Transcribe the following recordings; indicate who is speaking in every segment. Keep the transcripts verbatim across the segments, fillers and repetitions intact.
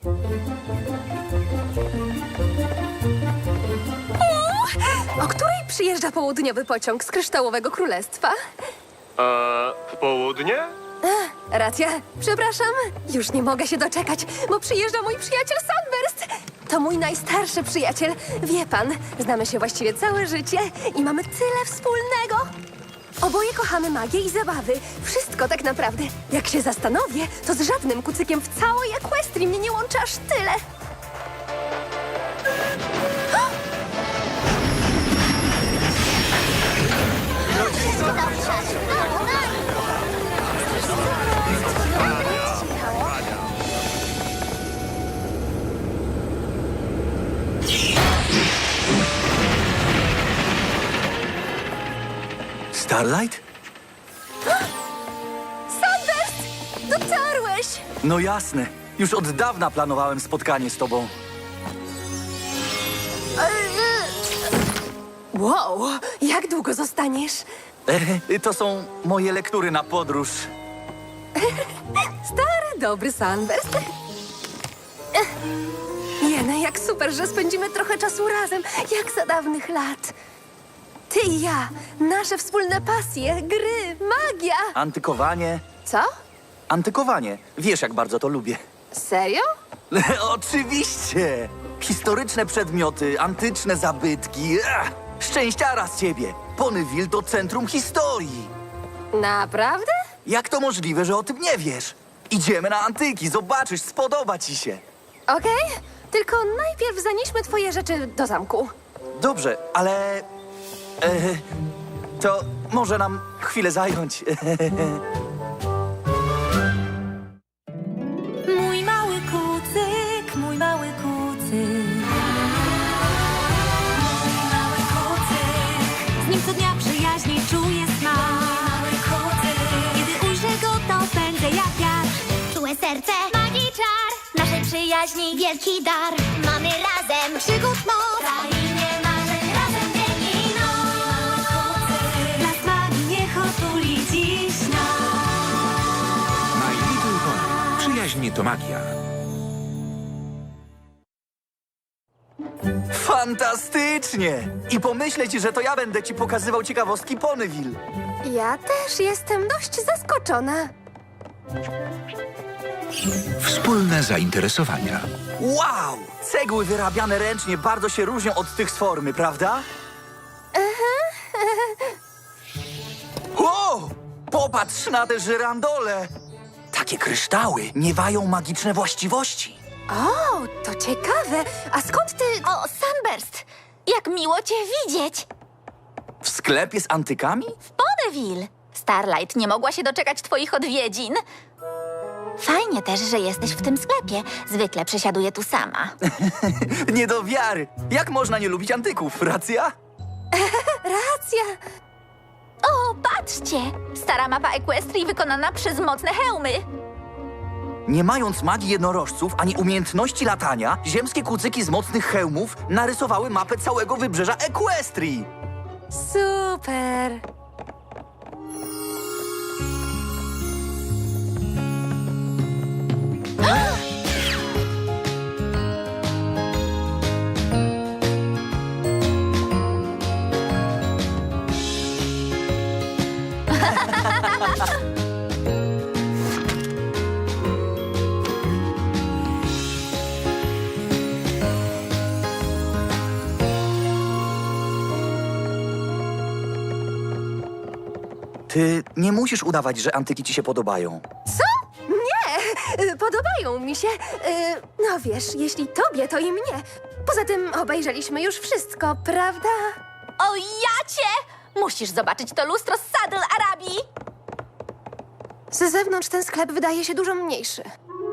Speaker 1: O której przyjeżdża południowy pociąg z Kryształowego Królestwa?
Speaker 2: A południe?
Speaker 1: Racja, przepraszam. Już nie mogę się doczekać, bo przyjeżdża mój przyjaciel Sunburst. To mój najstarszy przyjaciel. Wie pan, znamy się właściwie całe życie i mamy tyle wspólnego. Oboje kochamy magię i zabawy. Wszystko tak naprawdę. Jak się zastanowię, to z żadnym kucykiem w całej Equestrii mnie nie łączy aż tyle.
Speaker 3: Starlight?
Speaker 1: Sunburst! Dotarłeś!
Speaker 3: No jasne. Już od dawna planowałem spotkanie z tobą.
Speaker 1: Wow, jak długo zostaniesz?
Speaker 3: E, to są moje lektury na podróż.
Speaker 1: Stary, dobry Sunburst. Ech. Jene, jak super, że spędzimy trochę czasu razem, jak za dawnych lat. Ty i ja, nasze wspólne pasje, gry, magia.
Speaker 3: Antykowanie.
Speaker 1: Co?
Speaker 3: Antykowanie. Wiesz, jak bardzo to lubię.
Speaker 1: Serio?
Speaker 3: Oczywiście! Historyczne przedmioty, antyczne zabytki. Ach, szczęściara z ciebie! Ponyville to centrum historii.
Speaker 1: Naprawdę?
Speaker 3: Jak to możliwe, że o tym nie wiesz? Idziemy na antyki, zobaczysz, spodoba ci się.
Speaker 1: Okej, tylko najpierw zanieśmy twoje rzeczy do zamku.
Speaker 3: Dobrze, ale... E, to może nam chwilę zająć.
Speaker 4: Mój mały kucyk, mój mały kucyk. Mój mały kucyk. Z nim co dnia przyjaźni czuję smak. Mały kucyk. Kiedy ujrzę go, to pędzę jak wiatr.
Speaker 5: Czułe serce, magii czar, naszej przyjaźni wielki dar. Mamy razem przygód moc, krainie marzeń razem dzień i noc.
Speaker 4: Las magii niech otuli dziś nas.
Speaker 6: My Little Pony. Przyjaźń to magia.
Speaker 3: Fantastycznie! I pomyśleć, że to ja będę ci pokazywał ciekawostki Ponyville.
Speaker 1: Ja też jestem dość zaskoczona.
Speaker 6: Wspólne zainteresowania.
Speaker 3: Wow! Cegły wyrabiane ręcznie bardzo się różnią od tych z formy, prawda? Wow! Popatrz na te żyrandole! Takie kryształy miewają magiczne właściwości.
Speaker 1: O, to ciekawe. A skąd ty...
Speaker 5: O, Sunburst, jak miło cię widzieć.
Speaker 3: W sklepie z antykami?
Speaker 5: W Ponyville. Starlight nie mogła się doczekać twoich odwiedzin. Fajnie też, że jesteś w tym sklepie. Zwykle przesiaduję tu sama.
Speaker 3: Nie do wiary. Jak można nie lubić antyków, racja?
Speaker 1: Racja.
Speaker 5: O, patrzcie! Stara mapa Equestrii wykonana przez mocne hełmy.
Speaker 3: Nie mając magii jednorożców ani umiejętności latania, ziemskie kucyki z mocnych hełmów narysowały mapę całego wybrzeża Equestrii.
Speaker 1: Super.
Speaker 3: Ty nie musisz udawać, że antyki ci się podobają.
Speaker 1: Co? Nie, y, podobają mi się. Y, No wiesz, jeśli tobie, to i mnie. Poza tym obejrzeliśmy już wszystko, prawda?
Speaker 5: O, jacie! Musisz zobaczyć to lustro z Saddle Arabii.
Speaker 1: Z zewnątrz ten sklep wydaje się dużo mniejszy.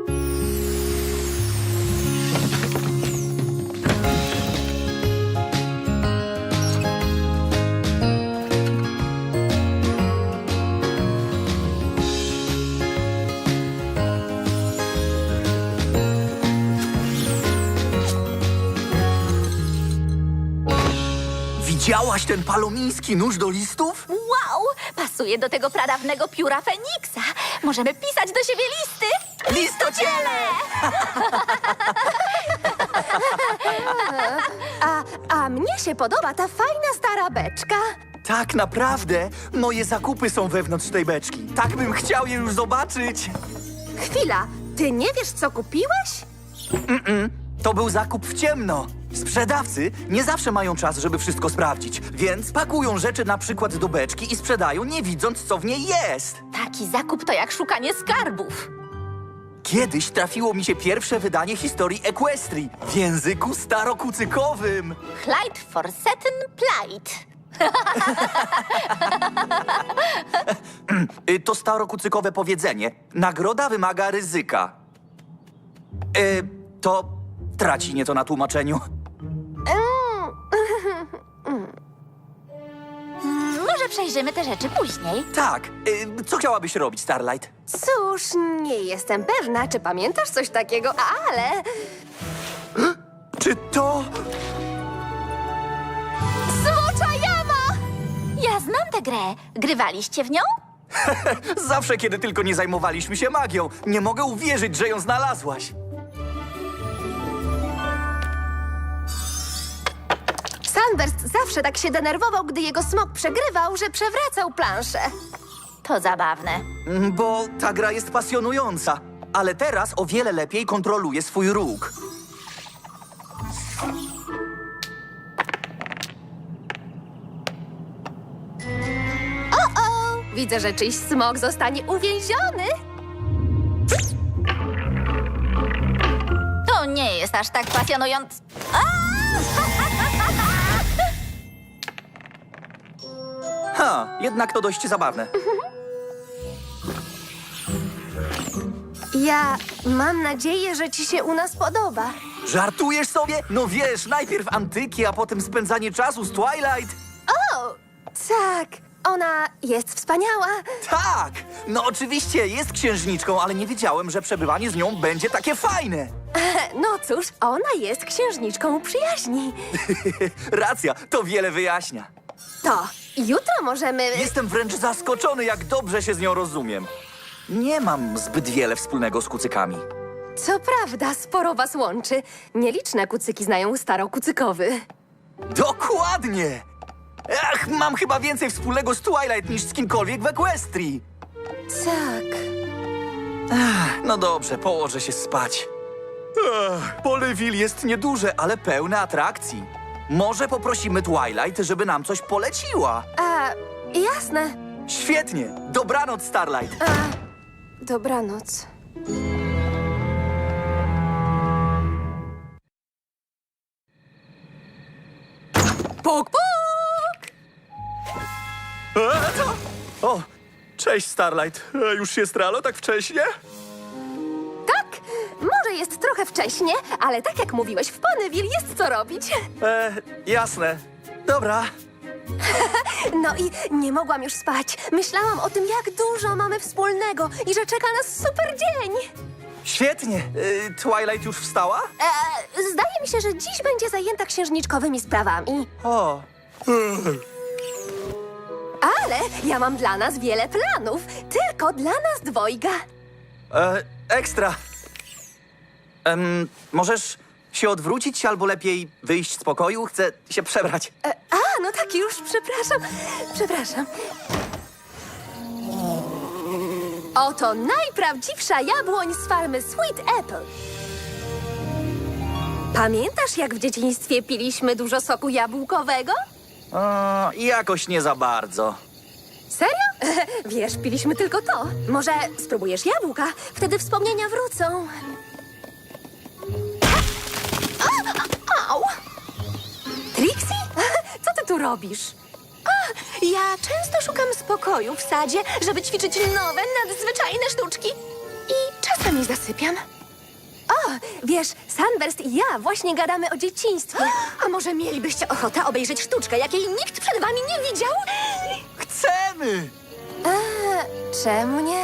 Speaker 3: Widziałaś ten palomiński nóż do listów?
Speaker 5: Wow! Pasuje do tego pradawnego pióra Feniksa. Możemy pisać do siebie listy.
Speaker 3: Listociele!
Speaker 1: A, a mnie się podoba ta fajna stara beczka.
Speaker 3: Tak naprawdę moje zakupy są wewnątrz tej beczki. Tak bym chciał je już zobaczyć.
Speaker 1: Chwila, ty nie wiesz, co kupiłeś?
Speaker 3: To był zakup w ciemno. Sprzedawcy nie zawsze mają czas, żeby wszystko sprawdzić, więc pakują rzeczy na przykład do beczki i sprzedają, nie widząc, co w niej jest.
Speaker 7: Taki zakup to jak szukanie skarbów.
Speaker 3: Kiedyś trafiło mi się pierwsze wydanie historii Equestrii w języku starokucykowym.
Speaker 7: Clyde Forsetten Plight.
Speaker 3: Y, To starokucykowe powiedzenie. Nagroda wymaga ryzyka. Y, to traci nieco na tłumaczeniu.
Speaker 7: Może przejrzymy te rzeczy później.
Speaker 3: Tak, y, co chciałabyś robić, Starlight?
Speaker 1: Cóż, nie jestem pewna, czy pamiętasz coś takiego, ale...
Speaker 3: Czy to...
Speaker 1: Smocza jama!
Speaker 7: Ja znam tę grę. Grywaliście w nią?
Speaker 3: Zawsze, kiedy tylko nie zajmowaliśmy się magią. Nie mogę uwierzyć, że ją znalazłaś.
Speaker 1: Sunburst zawsze tak się denerwował, gdy jego smok przegrywał, że przewracał planszę.
Speaker 7: To zabawne.
Speaker 3: Mm, Bo ta gra jest pasjonująca. Ale teraz o wiele lepiej kontroluje swój róg.
Speaker 1: Widzę, że czyjś smok zostanie uwięziony.
Speaker 7: To nie jest aż tak pasjonujące.
Speaker 3: Ha, jednak to dość zabawne.
Speaker 1: Ja mam nadzieję, że ci się u nas podoba.
Speaker 3: Żartujesz sobie? No wiesz, najpierw antyki, a potem spędzanie czasu z Twilight.
Speaker 1: O, tak, ona jest wspaniała.
Speaker 3: Tak! No oczywiście, jest księżniczką, ale nie wiedziałem, że przebywanie z nią będzie takie fajne.
Speaker 1: No cóż, ona jest księżniczką przyjaźni.
Speaker 3: Racja, to wiele wyjaśnia.
Speaker 1: To, jutro możemy...
Speaker 3: Jestem wręcz zaskoczony, jak dobrze się z nią rozumiem. Nie mam zbyt wiele wspólnego z kucykami.
Speaker 1: Co prawda, sporo was łączy. Nieliczne kucyki znają starokucykowy.
Speaker 3: Dokładnie! Ach, mam chyba więcej wspólnego z Twilight niż z kimkolwiek w Equestrii.
Speaker 1: Tak.
Speaker 3: No dobrze, położę się spać. Ech, Poleville jest nieduże, ale pełne atrakcji. Może poprosimy Twilight, żeby nam coś poleciła.
Speaker 1: A, jasne.
Speaker 3: Świetnie! Dobranoc, Starlight!
Speaker 1: A, dobranoc. Puk, puk!
Speaker 3: E, co? O, cześć, Starlight. E, już jest rano tak wcześnie?
Speaker 1: Tak, może jest trochę wcześnie, ale tak jak mówiłeś, w Ponyville jest co robić.
Speaker 3: E, jasne. Dobra.
Speaker 1: No i nie mogłam już spać. Myślałam o tym, jak dużo mamy wspólnego i że czeka nas super dzień.
Speaker 3: Świetnie. E, Twilight już wstała?
Speaker 1: E, zdaje mi się, że dziś będzie zajęta księżniczkowymi sprawami.
Speaker 3: O.
Speaker 1: Ale ja mam dla nas wiele planów. Tylko dla nas dwojga.
Speaker 3: E, ekstra. Em, możesz się odwrócić albo lepiej wyjść z pokoju? Chcę się przebrać.
Speaker 1: E, a, no tak już, przepraszam. Przepraszam. Oto najprawdziwsza jabłoń z farmy Sweet Apple. Pamiętasz, jak w dzieciństwie piliśmy dużo soku jabłkowego?
Speaker 3: O, jakoś nie za bardzo.
Speaker 1: Serio? Wiesz, piliśmy tylko to. Może spróbujesz jabłka? Wtedy wspomnienia wrócą. A, au! Trixie? Co ty tu robisz? A, ja często szukam spokoju w sadzie, żeby ćwiczyć nowe, nadzwyczajne sztuczki. I czasami zasypiam. O, wiesz, Sunburst i ja właśnie gadamy o dzieciństwie. A może mielibyście ochotę obejrzeć sztuczkę, jakiej nikt przed wami nie widział?
Speaker 3: Chcemy!
Speaker 1: Eee, czemu nie?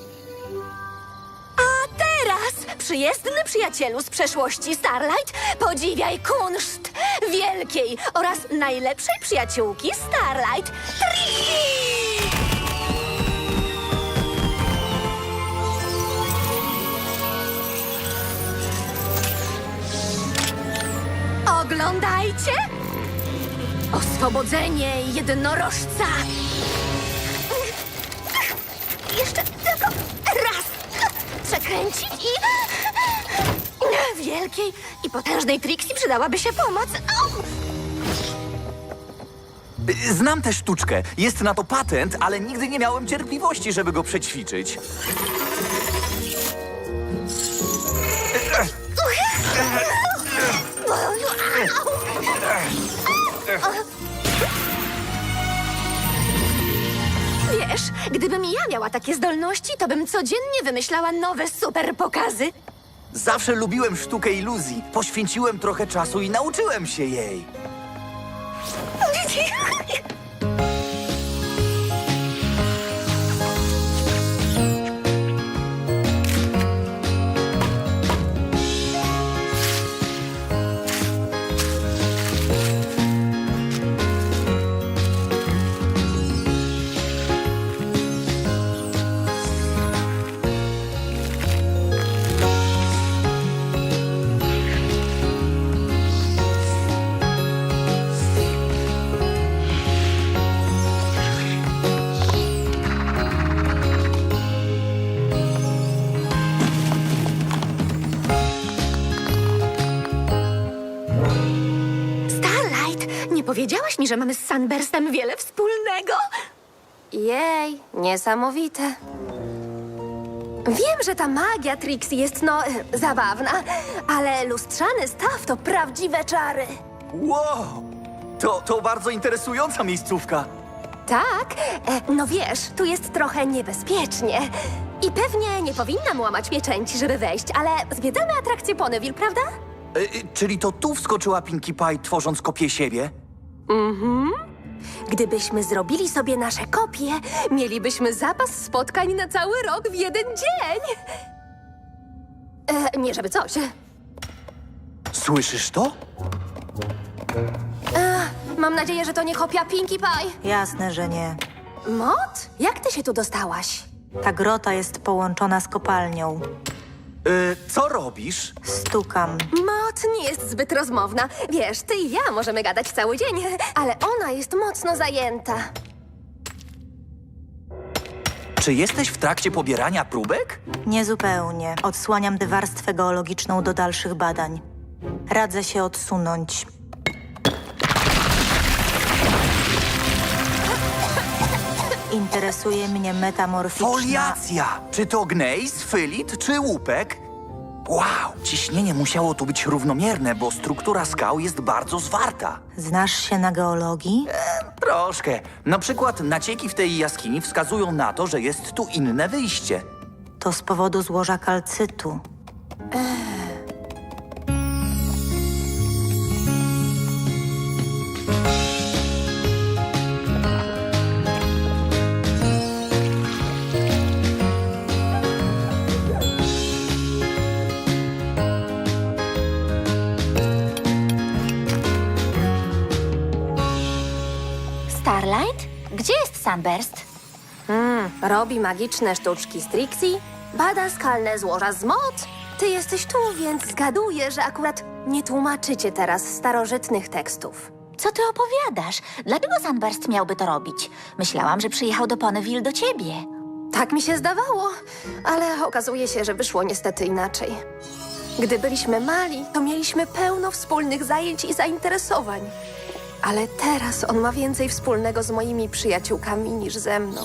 Speaker 4: A teraz, przyjezdny przyjacielu z przeszłości Starlight, podziwiaj kunszt wielkiej oraz najlepszej przyjaciółki Starlight, Trixie!
Speaker 1: Oglądajcie! Oswobodzenie jednorożca! Jeszcze tylko raz! Przekręcić i... Wielkiej i potężnej Trixie przydałaby się pomoc. Au!
Speaker 3: Znam tę sztuczkę. Jest na to patent, ale nigdy nie miałem cierpliwości, żeby go przećwiczyć.
Speaker 1: Wiesz, gdybym ja miała takie zdolności, to bym codziennie wymyślała nowe super pokazy.
Speaker 3: Zawsze lubiłem sztukę iluzji. Poświęciłem trochę czasu i nauczyłem się jej.
Speaker 1: Starlight, nie powiedziałaś mi, że mamy z Sunburstem wiele wspólnego? Jej, niesamowite. Wiem, że ta magia Trixie jest, no, e, zabawna, ale lustrzany staw to prawdziwe czary.
Speaker 3: Wow! To, to bardzo interesująca miejscówka.
Speaker 1: Tak, e, no wiesz, tu jest trochę niebezpiecznie. I pewnie nie powinnam łamać pieczęci, żeby wejść, ale zwiedzamy atrakcję Ponyville, prawda?
Speaker 3: E, e, czyli to tu wskoczyła Pinkie Pie, tworząc kopię siebie?
Speaker 1: Gdybyśmy zrobili sobie nasze kopie, mielibyśmy zapas spotkań na cały rok w jeden dzień. E, nie żeby coś.
Speaker 3: Słyszysz to?
Speaker 1: Mam nadzieję, że to nie kopia Pinkie Pie.
Speaker 8: Jasne, że nie.
Speaker 1: Mot, jak ty się tu dostałaś?
Speaker 8: Ta grota jest połączona z kopalnią.
Speaker 3: E, co robisz?
Speaker 8: Stukam.
Speaker 1: Mot nie jest zbyt rozmowna. Wiesz, ty i ja możemy gadać cały dzień, ale ona jest mocno zajęta.
Speaker 3: Czy jesteś w trakcie pobierania próbek?
Speaker 8: Niezupełnie. Odsłaniam tę warstwę geologiczną do dalszych badań. Radzę się odsunąć. Interesuje mnie metamorficzna...
Speaker 3: Foliacja! Czy to gnejs, fylit czy łupek? Wow! Ciśnienie musiało tu być równomierne, bo struktura skał jest bardzo zwarta.
Speaker 8: Znasz się na geologii?
Speaker 3: Troszkę. Na przykład nacieki w tej jaskini wskazują na to, że jest tu inne wyjście.
Speaker 8: To z powodu złoża kalcytu.
Speaker 7: Starlight? Gdzie jest Sunburst?
Speaker 1: Robi magiczne sztuczki z Trixie, bada skalne złoża z Mot. Ty jesteś tu, więc zgaduję, że akurat nie tłumaczycie teraz starożytnych tekstów.
Speaker 7: Co ty opowiadasz? Dlaczego Sunburst miałby to robić? Myślałam, że przyjechał do Ponyville do ciebie.
Speaker 1: Tak mi się zdawało, ale okazuje się, że wyszło niestety inaczej. Gdy byliśmy mali, to mieliśmy pełno wspólnych zajęć i zainteresowań. Ale teraz on ma więcej wspólnego z moimi przyjaciółkami niż ze mną.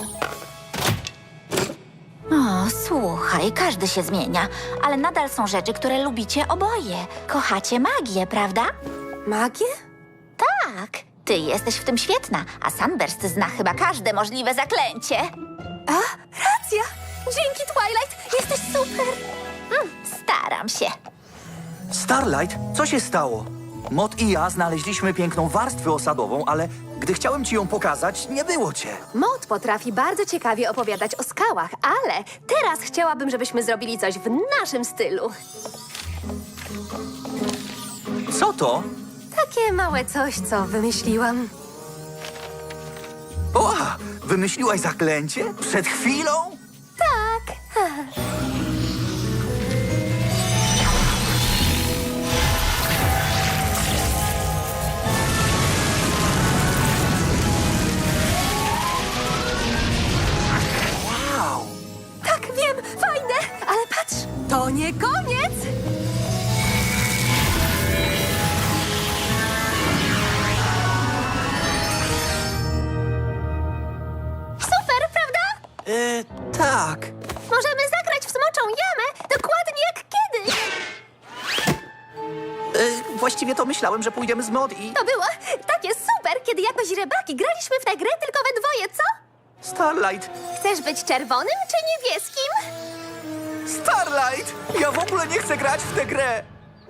Speaker 7: O, słuchaj, każdy się zmienia, ale nadal są rzeczy, które lubicie oboje. Kochacie magię, prawda?
Speaker 1: Magię?
Speaker 7: Tak, ty jesteś w tym świetna, a Sunburst zna chyba każde możliwe zaklęcie.
Speaker 1: A, racja! Dzięki, Twilight! Jesteś super!
Speaker 7: Mm, staram się.
Speaker 3: Starlight, co się stało? Mot i ja znaleźliśmy piękną warstwę osadową, ale gdy chciałem ci ją pokazać, nie było cię.
Speaker 1: Mot potrafi bardzo ciekawie opowiadać o skałach, ale teraz chciałabym, żebyśmy zrobili coś w naszym stylu.
Speaker 3: Co to?
Speaker 1: Takie małe coś, co wymyśliłam.
Speaker 3: O, wymyśliłaś zaklęcie? Przed chwilą?
Speaker 1: Tak. koniec! Super, prawda?
Speaker 3: E, tak.
Speaker 1: Możemy zagrać w smoczą jamę dokładnie jak kiedyś.
Speaker 3: E, właściwie to myślałem, że pójdziemy z Mod i...
Speaker 1: To było takie super, kiedy jako źrebaki graliśmy w tę grę tylko we dwoje, co?
Speaker 3: Starlight!
Speaker 1: Chcesz być czerwonym czy niebieskim?
Speaker 3: Starlight! Ja w ogóle nie chcę grać w tę grę!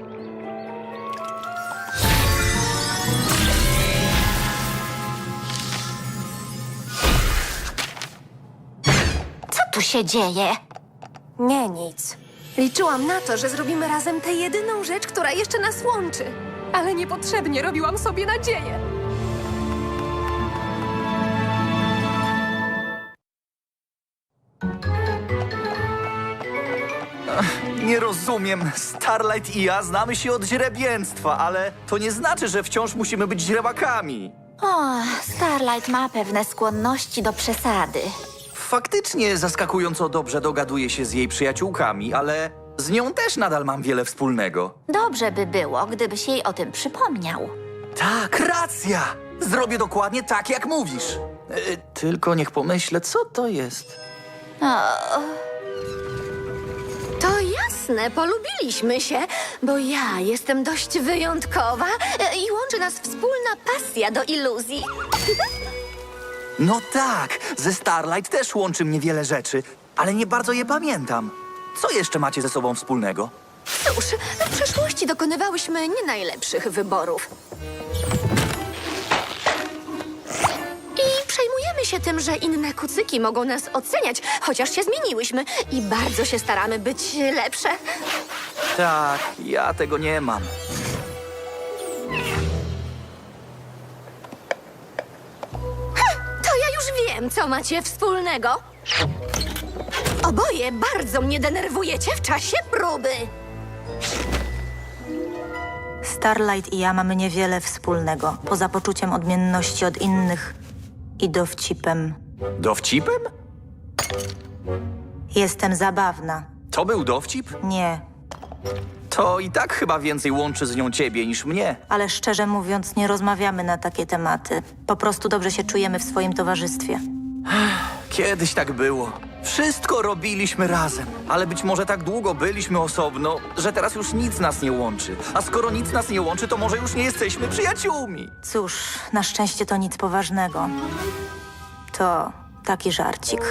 Speaker 7: Co tu się dzieje?
Speaker 1: Nie, nic. Liczyłam na to, że zrobimy razem tę jedyną rzecz, która jeszcze nas łączy. Ale niepotrzebnie robiłam sobie nadzieję.
Speaker 3: Nie rozumiem. Starlight i ja znamy się od źrebięctwa, ale to nie znaczy, że wciąż musimy być źrebakami.
Speaker 7: O, Starlight ma pewne skłonności do przesady.
Speaker 3: Faktycznie zaskakująco dobrze dogaduję się z jej przyjaciółkami, ale z nią też nadal mam wiele wspólnego.
Speaker 7: Dobrze by było, gdybyś jej o tym przypomniał.
Speaker 3: Tak, racja! Zrobię dokładnie tak, jak mówisz. E, tylko niech pomyślę, co to jest.
Speaker 1: To jasne, polubiliśmy się, bo ja jestem dość wyjątkowa e, i łączy nas wspólna pasja do iluzji.
Speaker 3: No tak, ze Starlight też łączy mnie wiele rzeczy, ale nie bardzo je pamiętam. Co jeszcze macie ze sobą wspólnego?
Speaker 1: Cóż, w przeszłości dokonywałyśmy nie najlepszych wyborów. I przejmujemy się tym, że inne kucyki mogą nas oceniać, chociaż się zmieniłyśmy i bardzo się staramy być lepsze.
Speaker 3: Tak, ja tego nie mam.
Speaker 1: To ja już wiem, co macie wspólnego. Oboje bardzo mnie denerwujecie w czasie próby.
Speaker 8: Starlight i ja mamy niewiele wspólnego, poza poczuciem odmienności od innych i dowcipem.
Speaker 3: Dowcipem?
Speaker 8: Jestem zabawna.
Speaker 3: To był dowcip?
Speaker 8: Nie,
Speaker 3: To i tak chyba więcej łączy z nią ciebie niż mnie.
Speaker 8: ale szczerze mówiąc nie rozmawiamy na takie tematy. Po prostu dobrze się czujemy w swoim towarzystwie.
Speaker 3: Kiedyś tak było. Wszystko robiliśmy razem, ale być może tak długo byliśmy osobno, że teraz już nic nas nie łączy. A skoro nic nas nie łączy, to może już nie jesteśmy przyjaciółmi.
Speaker 8: Cóż, na szczęście to nic poważnego. To taki żarcik.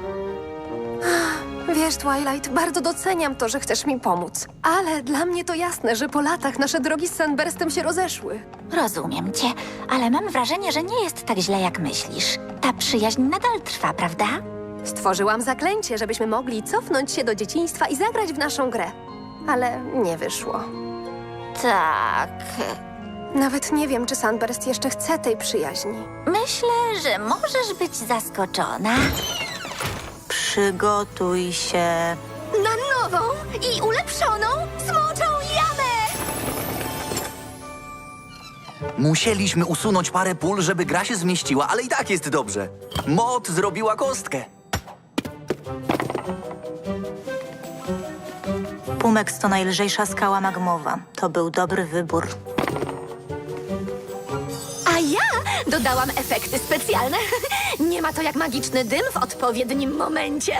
Speaker 1: Wiesz, Twilight, bardzo doceniam to, że chcesz mi pomóc. Ale dla mnie to jasne, że po latach nasze drogi z Sunburstem się rozeszły.
Speaker 7: Rozumiem cię, ale mam wrażenie, że nie jest tak źle, jak myślisz. Ta przyjaźń nadal trwa, prawda?
Speaker 1: Stworzyłam zaklęcie, żebyśmy mogli cofnąć się do dzieciństwa i zagrać w naszą grę. Ale nie wyszło.
Speaker 7: Tak.
Speaker 1: Nawet nie wiem, czy Sunburst jeszcze chce tej przyjaźni.
Speaker 7: Myślę, że możesz być zaskoczona.
Speaker 8: Przygotuj się.
Speaker 1: Na nową i ulepszoną smoczą jamę!
Speaker 3: Musieliśmy usunąć parę pól, żeby gra się zmieściła, ale i tak jest dobrze. Mod zrobiła kostkę.
Speaker 8: Pumex to najlżejsza skała magmowa. To był dobry wybór.
Speaker 1: A ja dodałam efekty specjalne. Nie ma to jak magiczny dym w odpowiednim momencie.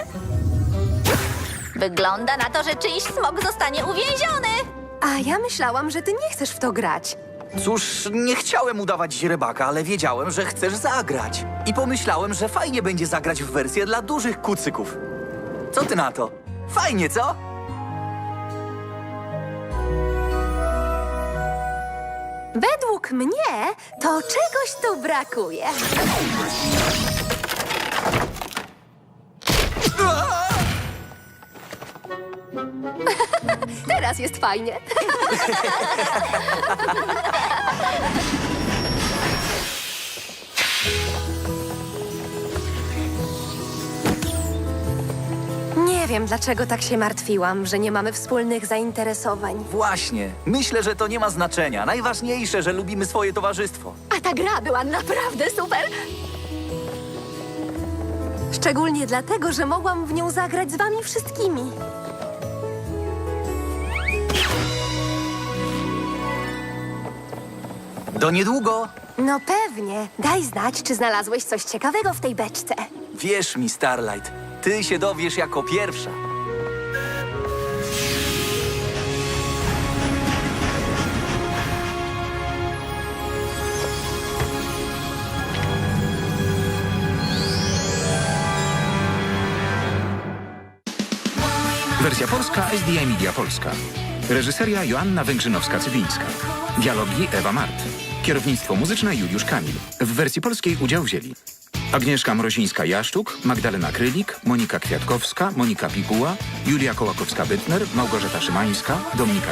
Speaker 7: Wygląda na to, że czyjś smok zostanie uwięziony.
Speaker 1: A ja myślałam, że ty nie chcesz w to grać.
Speaker 3: Cóż, nie chciałem udawać źrebaka, ale wiedziałem, że chcesz zagrać. I pomyślałem, że fajnie będzie zagrać w wersję dla dużych kucyków. Co ty na to? Fajnie, co?
Speaker 1: Według mnie to czegoś tu brakuje. Teraz jest fajnie. Nie wiem, dlaczego tak się martwiłam, że nie mamy wspólnych zainteresowań.
Speaker 3: Właśnie. Myślę, że to nie ma znaczenia. Najważniejsze, że lubimy swoje towarzystwo.
Speaker 1: A ta gra była naprawdę super. Szczególnie dlatego, że mogłam w nią zagrać z wami wszystkimi.
Speaker 3: Do niedługo.
Speaker 1: No pewnie. Daj znać, czy znalazłeś coś ciekawego w tej beczce.
Speaker 3: Wierz mi, Starlight, ty się dowiesz jako pierwsza.
Speaker 6: Wersja polska S D I Media Polska. Reżyseria Joanna Węgrzynowska-Cywińska. Dialogi Ewa Mart. Kierownictwo muzyczne Juliusz Kamil. W wersji polskiej udział wzięli Agnieszka Mrozińska-Jaszczuk, Magdalena Krylik, Monika Kwiatkowska, Monika Pikuła, Julia Kołakowska-Bytner, Małgorzata Szymańska, Dominika